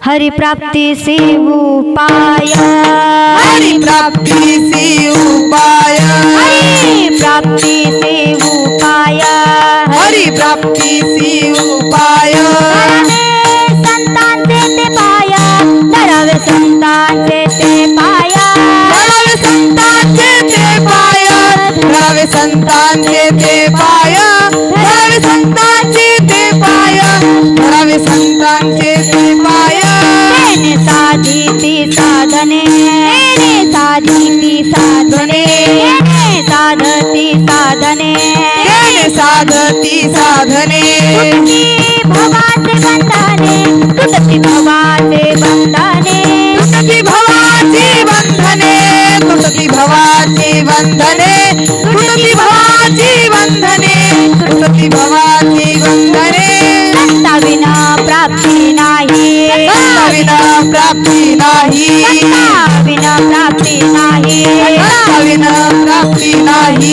हरि प्राप्ति से उपाय, हरि प्राप्ति से उपाय, हरि प्राप्ति से उपाय, हरि प्राप्ति से उपाय। संतान से ते पाया, धरावे संतान से ते पाया, धरावे संतान से ते पाया, धरावे संतान से ते पाया, धरावे संतान से ते पाया, धरावे संतान से ते पाया। तेने साधी ती साधने, तेने साधी ती साधने, तेने साधती साधने, तेने साधती साधने, तुटती भवाचे बंधने, तुटती भवाचे बंधने, तुटती भवाचे बंधने, तुटती भवाचे बंधने, तुटती भवाचे बंधने। संता विना प्राप्ती नाही, संता विना प्राप्ती नाही, संता विना प्राप्ती नाही, संता विना प्राप्ती नाही।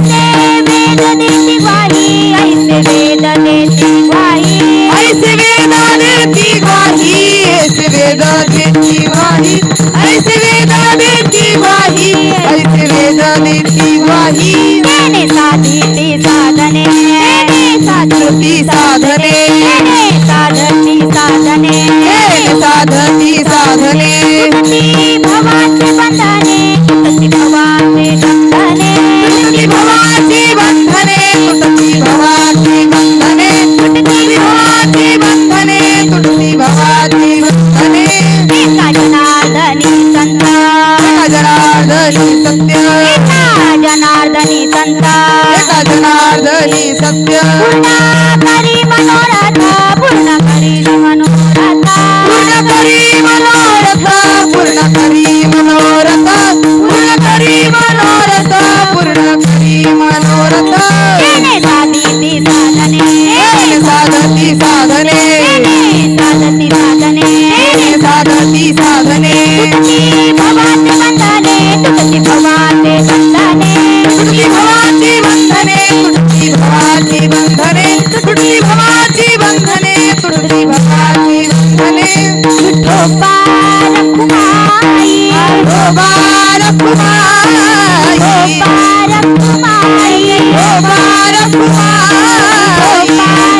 ऐसे वेद देती ग्वाही, ऐसे वेद देती ग्वाही, ऐसे वेद देती ग्वाही, ऐसे वेद देती ग्वाही, ऐसे वेद देती ग्वाही। तेने साधती साधने, तेने साधती साधने, तेने साधती साधने, तेने साधती साधने, तुटती भवाचे बंधने, तुटती भवाचे बंधने, तुटती भवाचे बंधने, तुटती भवाचे बंधने, तुटती भवाचे बंधने, तुटती भवाचे बंधने। एका जनार्दनी संत, एका जनार्दनी सत्य, एका जनार्दनी संत, एका जनार्दनी सत्य, पूर्ण करी मनोरथ, पूर्ण करी मनोरथ, पूर्ण करी मनोरथ, पूर्ण करी मनोरथ, पूर्ण करी मनोरथ, पूर्ण करी मनोरथ। तेने साधती साधने, तेने साधती साधने, तेने साधती साधने, तेने साधती साधने, तुटती भवाचे बंधने, तुटती भवाचे बंधने, तुटती भवाची बंधने, तुटती भवाची बंधने, तुटती भवाची बंधने, तुटती भवाची बंधने। विठोबा रखुमाई, विठोबा रखुमाई, विठोबा रखुमाई,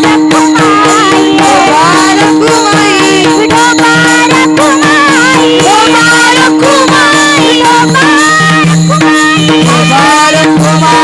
विठोबा रखुमाई, विठोबा रखुमाई, विठोबा रखुमाई, विठोबा रखुमाई, विठोबा रखुमाई,